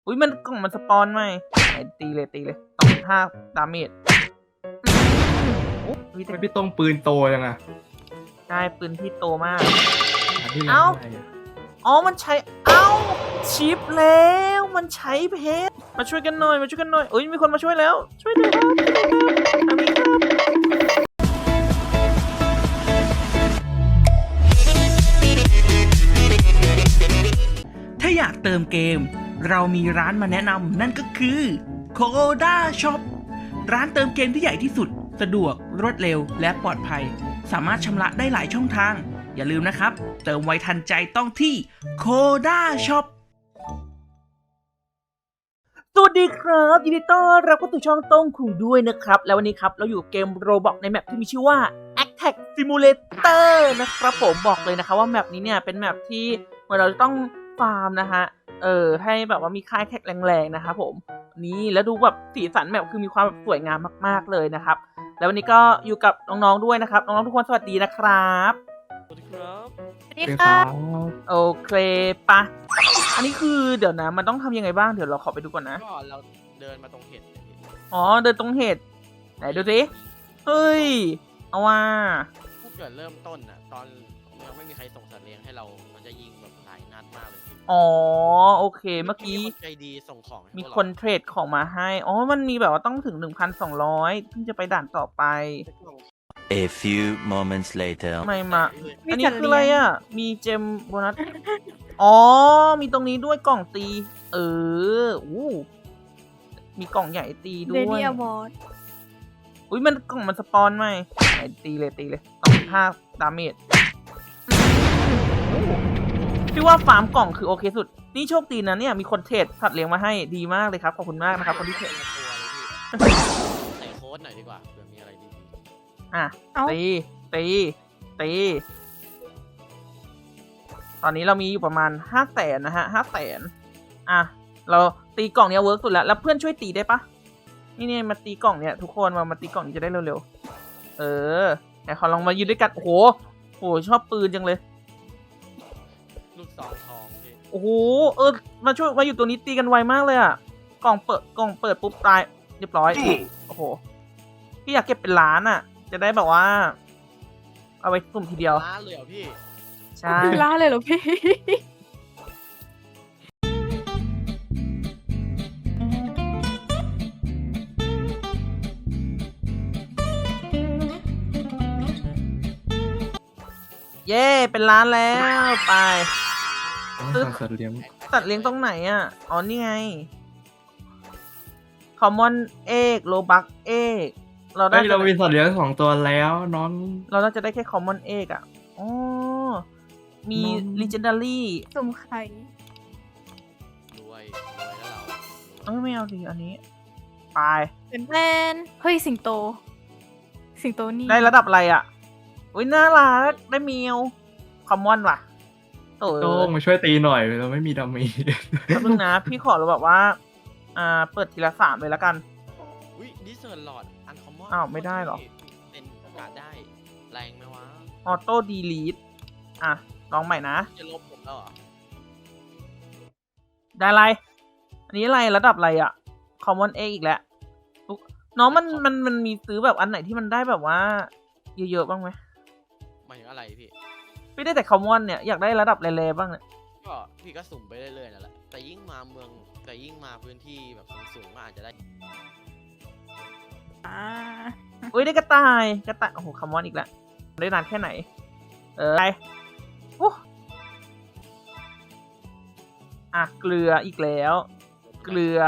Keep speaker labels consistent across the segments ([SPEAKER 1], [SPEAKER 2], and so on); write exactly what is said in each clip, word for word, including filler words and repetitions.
[SPEAKER 1] อุ้ยมันกล่องมันสปอนไหมไหนตีเลยตีเลยสองจุดห้าดาเมจโอ้ย
[SPEAKER 2] ไม่พี่ต้องปืนโตยังไง
[SPEAKER 1] ได้ปืนที่โตมาก
[SPEAKER 2] ที่ไหน
[SPEAKER 1] เอ้า
[SPEAKER 2] ได้อะ
[SPEAKER 1] อ๋อมันใช้เอ้าชิปแล้วมันใช้เพชรมาช่วยกันหน่อยมาช่วยกันหน่อยเอ้ยมีคนมาช่วยแล้วช่วยด้วยครับทางนี้ครับ
[SPEAKER 3] ถ้าอยากเติมเกม เรามีร้านมาแนะนำนั่นก็คือ Coda Shop ร้านเติมเกมที่ใหญ่ที่สุดสะดวกรวดเร็วและปลอดภัย สามารถชำระได้หลายช่องทาง อย่าลืมนะครับ เติมไวทันใจต้องที่ Coda Shop
[SPEAKER 1] สวัสดีครับยินดีต้อนรับเข้าสู่ช่องต้งคุงด้วยนะครับแล้ววันนี้ครับเราอยู่กับเกม Roblox ในแมปที่มีชื่อว่า Attack Simulator นะครับผมบอกเลยนะคะว่าแมปนี้เนี่ยเป็นแมปที่เหมือนเราจะต้องฟาร์มนะฮะเออให้แบบว่ามีค่ายแท็กแรงๆนะครับผมนี่แล้วดูแบบสีสันแมปคือมีความสวยงามมากๆเลยนะครับแล้ววันนี้ก็อยู่กับน้องๆด้วยนะครับน้องๆทุกคนสวัสดีนะครับสวัสดีครับ
[SPEAKER 4] สวัสดี
[SPEAKER 2] เป็น
[SPEAKER 4] ค่ะ
[SPEAKER 2] เขา
[SPEAKER 1] โอเคปะอันนี้คือเดี๋ยวนะมันต้องทำยังไงบ้างเดี๋ยวเราขอไปดูก่อนนะ
[SPEAKER 5] ก็เราเดินมาตรงเห็ดเนี่ยพี่
[SPEAKER 1] อ๋อเดินตรงเหตุไหนดูสิเฮ้ยเอาว่า
[SPEAKER 5] ถ้าเกิดเริ่มต้นอ่ะตอนยังไม่มีใครส่งสัตว์เลี้ยงให้เรา มันจะยิงแบบหลายนัดมากเลยพี่
[SPEAKER 1] อ๋อโอเคเมื่อกี้
[SPEAKER 5] คนใจดีส่งของให้
[SPEAKER 1] มี
[SPEAKER 5] พวก
[SPEAKER 1] คนเทรดของมาให้อ๋อมันมีแบบว่าต้องถึง หนึ่งพันสองร้อย ถึงจะไปด่านต่อไป
[SPEAKER 6] A few moments later.
[SPEAKER 1] ทำไมมา
[SPEAKER 4] มี
[SPEAKER 1] อันนี้
[SPEAKER 4] สัตว์
[SPEAKER 1] คืออะไร
[SPEAKER 4] เลี้ยง
[SPEAKER 1] อ่ะมีเจมโบนัสอ๋อมีตรงนี้ด้วยกล่องตี เอออู้มีกล่องใหญ่ตีด้
[SPEAKER 4] เร
[SPEAKER 1] วย
[SPEAKER 4] ดี้อวอร์ด
[SPEAKER 1] อุ้ยมันกล่องมันสปอนไหมไหนตีเลยตีเลยสองจุดห้าดาเมจพี่ว่าฟาร์มกล่องคือโอเคสุด นี่โชคดีนะเนี่ยมีคนเทรดสัตว์เลี้ยงมาให้ดีมากเลยครับขอบคุณมากนะครับคนที่เทรด
[SPEAKER 5] ตัวเลยพี่ใส่โค้ดหน่อยดีกว่าเผื่อมีอะไรดี
[SPEAKER 1] อ่ะ
[SPEAKER 4] เอ้า
[SPEAKER 1] ตีตีตีตอนนี้เรามีอยู่ประมาณห้าแสนนะฮะห้าแสนอ่ะเราตีกล่องเนี้ยเวิร์กสุดแล้วแล้วเพื่อนช่วยตีได้ปะนี่เนี่ยมาตีกล่องเนี้ยทุกคนมามาตีกล่องนี้จะได้เร็วๆเออแต่ขอลองมายืนด้วยกันโอ้โหโอ้โหชอบปืนจังเลย
[SPEAKER 5] ๆลูกซองทองพี่
[SPEAKER 1] โอ้โห เออ มาช่วย มาอยู่ตัวนี้ตีกันไวมากเลยอ่ะ กล่องเปิด กล่องเปิดปุ๊บตาย เรียบร้อย โอ้โห พี่อยากเก็บเป็นล้านอ่ะ จะได้แบบว่า เอาไว้สุ่มทีเดียว
[SPEAKER 5] ล้านเลยเหรอพี่
[SPEAKER 1] ใช่
[SPEAKER 4] ล่าเลยเหรอพี่
[SPEAKER 1] เย้ เป็นล้านแล้ว ไป
[SPEAKER 2] ต้องสั่งสัตว์เลี้ยง
[SPEAKER 1] ตัดเลี้ยงตรงไหนอ่ะ อ๋อ นี่ไง คอมมอนเอกโลบักเอกเราได้
[SPEAKER 2] เฮ้ยเรามีสัตว์เลี้ยงสองตัวแล้วน้อง
[SPEAKER 1] เราน่าจะได้แค่คอมมอนเอกอ่ะ อ๋อ มี
[SPEAKER 2] น้อง
[SPEAKER 1] legendary
[SPEAKER 4] สุ่มไข่
[SPEAKER 5] รวยรวยแล้วเรา
[SPEAKER 1] เอ้ยไม่เอาดิอันนี้ ไป
[SPEAKER 4] เป็นแมนเฮ้ยสิงโต สิงโตนี่
[SPEAKER 1] ได้ระดับอะไรอ่ะ อุ้ยน่ารัก ได้เมียวคอมมอนว่ะโอ้ย
[SPEAKER 2] โต้งมาช่วยตีหน่อยเราไม่มีดาเมจ
[SPEAKER 1] แป๊บนึงนะ พี่ขอเราแบบว่า อ่า เปิดทีละสามเลยแล้วกัน
[SPEAKER 5] อุ้ยดิเซอร์หลอดอันคอมมอน
[SPEAKER 1] อ้าวไม่ได้เหรอ
[SPEAKER 5] เป็นโอกาสได้แรงไหมวะ
[SPEAKER 1] ออโต้ดีลีทอ่ะ ลองใหม่นะ
[SPEAKER 5] จะลบผมแล้วเหรอ
[SPEAKER 1] ได้อะไร อันนี้อะไรระดับอะไรอ่ะ คอมมอนเออีกแล้วอุ๊ยน้องมันมันมันมีซื้อแบบอันไหนที่มันได้แบบว่า เยอะๆบ้างไหม
[SPEAKER 5] หมายถึงอะไรพี่
[SPEAKER 1] พี่ได้แต่คอมมอนเนี่ย อยากได้ระดับแร่ๆบ้างเนี่ย
[SPEAKER 5] ก็พี่ก็สุ่มไปเรื่อยๆนั่นแหละ แต่ยิ่งมาเมือง แต่ยิ่งมาพื้นที่แบบสูงๆก็อาจจะได้
[SPEAKER 4] อ่า
[SPEAKER 1] อุ้ยได้กระต่าย กระต่าย โอ้โหคอมมอนอีกแล้ว ได้นานแค่ไหน เออไปอู้อ่ะ เกลืออีกแล้ว เกลือ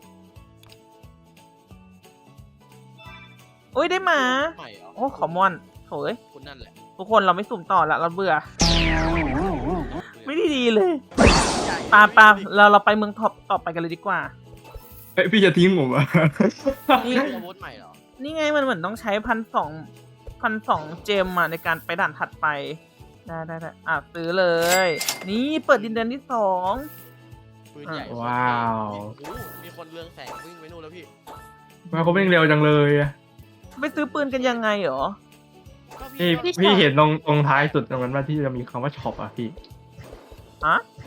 [SPEAKER 1] อุ้ยได้หมา
[SPEAKER 5] ใหม่เหรอ
[SPEAKER 1] โอ้คอมมอนโถย
[SPEAKER 5] คุณนั่นแหละ
[SPEAKER 1] ทุกคนเราไม่สุ่มต่อละเราเบื่อ ไม่ได้ดีเลย
[SPEAKER 5] ใหญ่
[SPEAKER 1] ปาปาเราเราไปเมืองท็อปต่อไปกันเลยดีกว่า
[SPEAKER 2] เฮ้ยพี่จะทิ้งผมอ่ะ
[SPEAKER 1] นี่
[SPEAKER 5] นี่อาวุธใหม่เหรอ
[SPEAKER 1] นี่ไงมันเหมือนต้องใช้พันสองพันสองเจมอะในการไปด่านถัดไป ได้ได้ได้อ่ะซื้อเลย นี่เปิดดินแดนที่สอง
[SPEAKER 5] ปืนใหญ่
[SPEAKER 2] ว้าว
[SPEAKER 5] โอ้โหมีคนเรืองแสงวิ่งไปนู่นแล้วพี่
[SPEAKER 2] มาเขาเร่งเร็วจังเลยอะ
[SPEAKER 1] ไปซื้อปืนกันยังไงเหรอ
[SPEAKER 5] ก็
[SPEAKER 2] พี่
[SPEAKER 5] ก็
[SPEAKER 2] พี่เห็นตรงตรงท้ายสุดตรงนั้นว่าที่จะมีคำว่าช็อปอ่ะพี่
[SPEAKER 1] อะ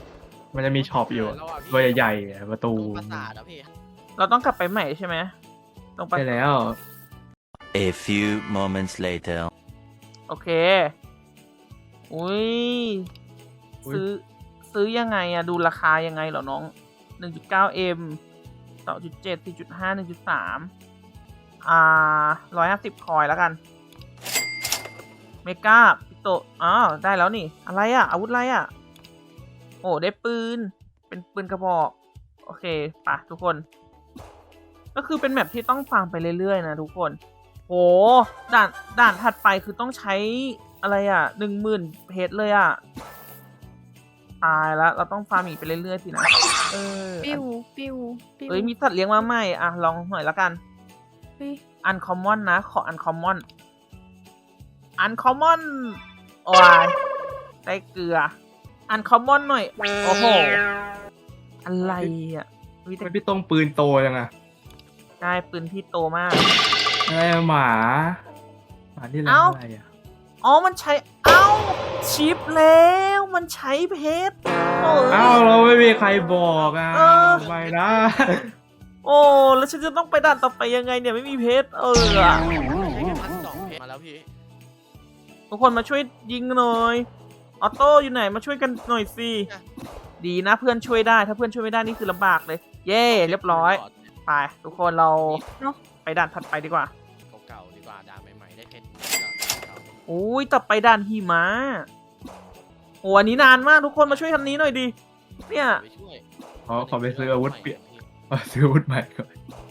[SPEAKER 2] มันจะมีช็อปอยู่
[SPEAKER 5] แล้วะพี่
[SPEAKER 2] ตัวใหญ่ๆอะประตู
[SPEAKER 5] ตรงปราสาทอะพี่
[SPEAKER 1] เราต้องกลับไปใหม่ใช่ไหมตรงไป
[SPEAKER 2] ใช่แล้ว
[SPEAKER 6] A few moments later.
[SPEAKER 1] โอเค อุ้ย
[SPEAKER 2] อุ๊ย
[SPEAKER 1] ซื้อ ซื้อยังไงอะดูราคายังไงเหรอน้อง หนึ่งจุดเก้าเอ็ม สองจุดเจ็ด สี่จุดห้า หนึ่งจุดสาม อ่าร้อยห้าสิบคอยแล้วกัน เมกาปิโตอ้าวได้แล้วนี่ อะไรอะอาวุธอะไรอะโอ้ได้ปืน เป็นปืนกระบอก โอเคไปะทุกคน ก็คือเป็นแมปที่ต้องฟาร์มไปเรื่อยๆนะทุกคน โห ด่าน ด่านถัดไปคือต้องใช้อะไรอะหนึ่งหมื่นเพชรเลยอะตายแล้ว เราต้องฟาร์มอีกไปเรื่อยๆสินะ เออ
[SPEAKER 4] ปิ้ว ปิ้ว ปิ้ว
[SPEAKER 1] เอ้ย มีสัตว์เลี้ยงมาใหม่ อ่ะ ลองหน่อยละกัน
[SPEAKER 4] เฮ้ย
[SPEAKER 1] อันคอมมอนนะ ขออันคอมมอน อันคอมมอน โอ้ยได้เกลือ อันคอมมอนหน่อย โอ้โห อะไรอ่ะวิ
[SPEAKER 2] ทำ
[SPEAKER 1] แต่
[SPEAKER 2] ไมพี่ต้องปืนโตจังอะ
[SPEAKER 1] ได้ปืนที่โตมาก
[SPEAKER 2] อะไรอะหมาหมาที่ร้า
[SPEAKER 1] เอ้า
[SPEAKER 2] นอะไรอะ
[SPEAKER 1] อ๋อ มันใช้ เอ้า ชิปแล้ว มันใช้เพชรโอ้ย
[SPEAKER 2] เอ้าเราไม่มีใครบอกอ่ะ
[SPEAKER 1] เออ
[SPEAKER 2] ไปนะ
[SPEAKER 1] โอ้ แล้วฉันจะต้องไปด่านต่อไปยังไงเนี่ย ไม่มีเพชร เอออะ
[SPEAKER 5] ใช้แค่พันสองเพชรมาแล้วพี่
[SPEAKER 1] ทุกคนมาช่วยยิงหน่อย ออโต้อยู่ไหน มาช่วยกันหน่อยสิ ดีนะเพื่อนช่วยได้ ถ้าเพื่อนช่วยไม่ได้นี่คือลำบากเลย เย่เรียบร้อย ไป ทุกคนเรา
[SPEAKER 4] เนอะ
[SPEAKER 1] ไปด่านถัดไปดีกว่า
[SPEAKER 5] เก่าๆดีกว่าด่านใหม่ๆได้เพชรเก่า
[SPEAKER 1] อุ้ยต่อไปด่านหิมะโอ้อันนี้นานมากทุกคนมาช่วยทันนี้หน่อยดิ เนี่ย
[SPEAKER 5] ไปช่วย
[SPEAKER 2] ขอขอไปซื้ออาวุธเปลี่ยนขอซื้ออาวุธใหม่ก่อน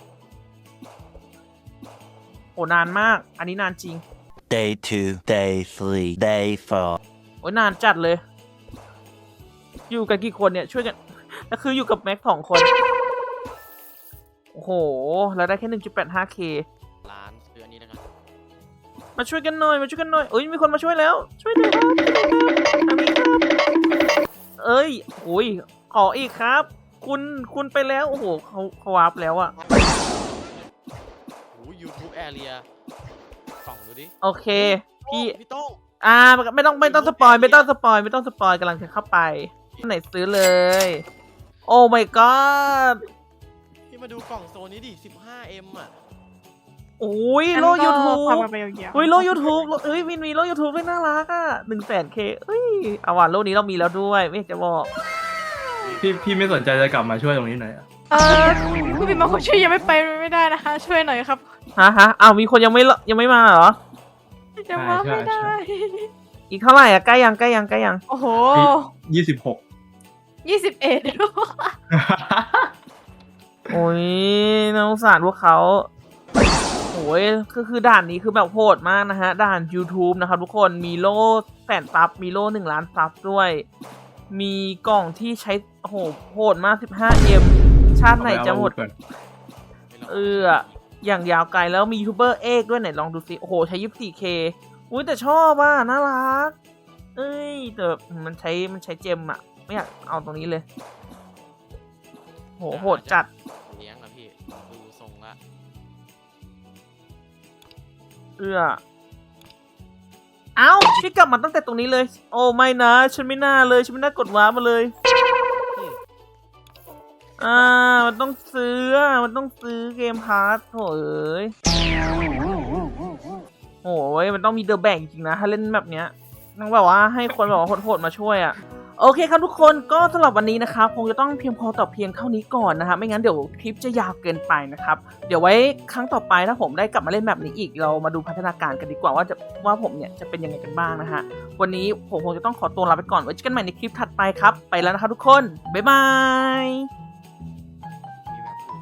[SPEAKER 1] โอ้นานมาก อันนี้นานจริง
[SPEAKER 6] Day two, day three, day four.
[SPEAKER 1] โอ้ยนานจัดเลย อยู่กันกี่คนเนี่ยช่วยกัน แล้วคืออยู่กับแม็กสองคน โอ้โห แล้วได้แค่ หนึ่งจุดแปดห้าเค
[SPEAKER 5] ร้านซื้ออันนี้แล้วกัน
[SPEAKER 1] มาช่วยกันหน่อย มาช่วยกันหน่อยเอ้ย มีคนมาช่วยแล้ว ช่วยด้วยครับทางนี้ครับ เอ้ยโอ้ย ขออีกครับ คุณ คุณไปแล้ว โอ้โหเขาเขาวาร์ปแล้วอะ
[SPEAKER 5] โอ้ยูทูบแอเรียส่องดูดิ
[SPEAKER 1] โอเค พี่
[SPEAKER 5] พี่โต้ง
[SPEAKER 1] อ่า ไม่ต้อง ไม่ต้องสปอย ไม่ต้องสปอย ไม่ต้องสปอยกำลังจะเข้าไปไหนซื้อเลย โอ้ my god
[SPEAKER 5] พี่มาดูกล่องโซนนี้ดิ สิบห้าเอ็ม อ่ะ
[SPEAKER 1] โอ้ยโล
[SPEAKER 4] งั้นก็
[SPEAKER 1] ยูทูบ
[SPEAKER 4] พามาไปยาวๆ
[SPEAKER 1] เฮ้ยโลยูทูบเอ้ยมินมีโลยูทูบด้วยน่ารักอ่ะหนึ่งแสนเคเอ้ยเอาว่ะโลนี้เรามีแล้วด้วยไม่อยากจะบอก
[SPEAKER 2] พี่พี่ไม่สนใจจะกลับมาช่วยตรงนี้หน่อยอะ
[SPEAKER 4] เออคุณบินมาคนช่วยยังไม่ไปไม่ได้นะคะ ช่วยหน่อยครับ
[SPEAKER 1] ฮะฮะอ้าวมีคนยังไม่ละยังไม่มาเหรอ
[SPEAKER 4] ยังมาไม่ได้
[SPEAKER 1] อีกเท่าไหร่อ่ะใกล้ยังใกล้ยังใกล้ยัง
[SPEAKER 4] โอ้โห
[SPEAKER 2] ยี่สิบหก
[SPEAKER 4] ยี่สิบเอ็ด
[SPEAKER 1] โอ้ยน่าสงสารพวกเขาโอ้ยคือคือด่านนี้คือแบบโหดมากนะฮะ ด่าน YouTube นะครับทุกคนมีโล่แสนซับมีโล่หนึ่งล้านซับด้วย มีกล่องที่ใช้โอ้โหโหดมาก สิบห้าเอ็ม ชาติไหนจะหมด
[SPEAKER 2] ก่อน
[SPEAKER 1] เออ อย่างยาวไกลแล้วมียูทูบเบอร์เอกด้วยไหนลองดูสิ โอ้โห ใช้ ยี่สิบสี่ เค อุ้ยแต่ชอบอ่ะ น่ารัก เอ้ย แต่มันใช้มันใช้เจมอ่ะ ไม่อยากเอาตรงนี้เลย โห โหดจัด
[SPEAKER 5] เลี้ยงอะพี่ดูทรงละ
[SPEAKER 1] เอื้อ เอ้าพี่กลับมาตั้งแต่ตรงนี้เลย โอ้ไม่นะ ฉันไม่น่าเลย ฉันไม่น่ากดว้าร์ปมาเลย อ่า มันต้องซื้ออ่ะมันต้องซื้อเกมพาร์ทโถเอ้ยโอ้ยมันต้องมีเดอะแบ่งจริงนะ ถ้าเล่นแบบเนี้ยต้องแบบว่าให้คนแบบว่าโหดๆมาช่วยอ่ะ โอเคครับทุกคนก็สำหรับวันนี้นะครับคงจะต้องเพียงพอต่อเพียงเท่านี้ก่อนนะครับไม่งั้นเดี๋ยวคลิปจะยาวเกินไปนะครับเดี๋ยวไว้ครั้งต่อไปถ้าผมได้กลับมาเล่นแบบนี้อีกเรามาดูพัฒนาการกันดีกว่าว่าจะว่าผมเนี่ยจะเป็นยังไงกันบ้างนะฮะวันนี้ผมคงจะต้องขอตัวลาไปก่อนไว้เจอกันใหม่ในคลิปถัดไปครับไปแล้วนะครับทุกคนบ๊ายบาย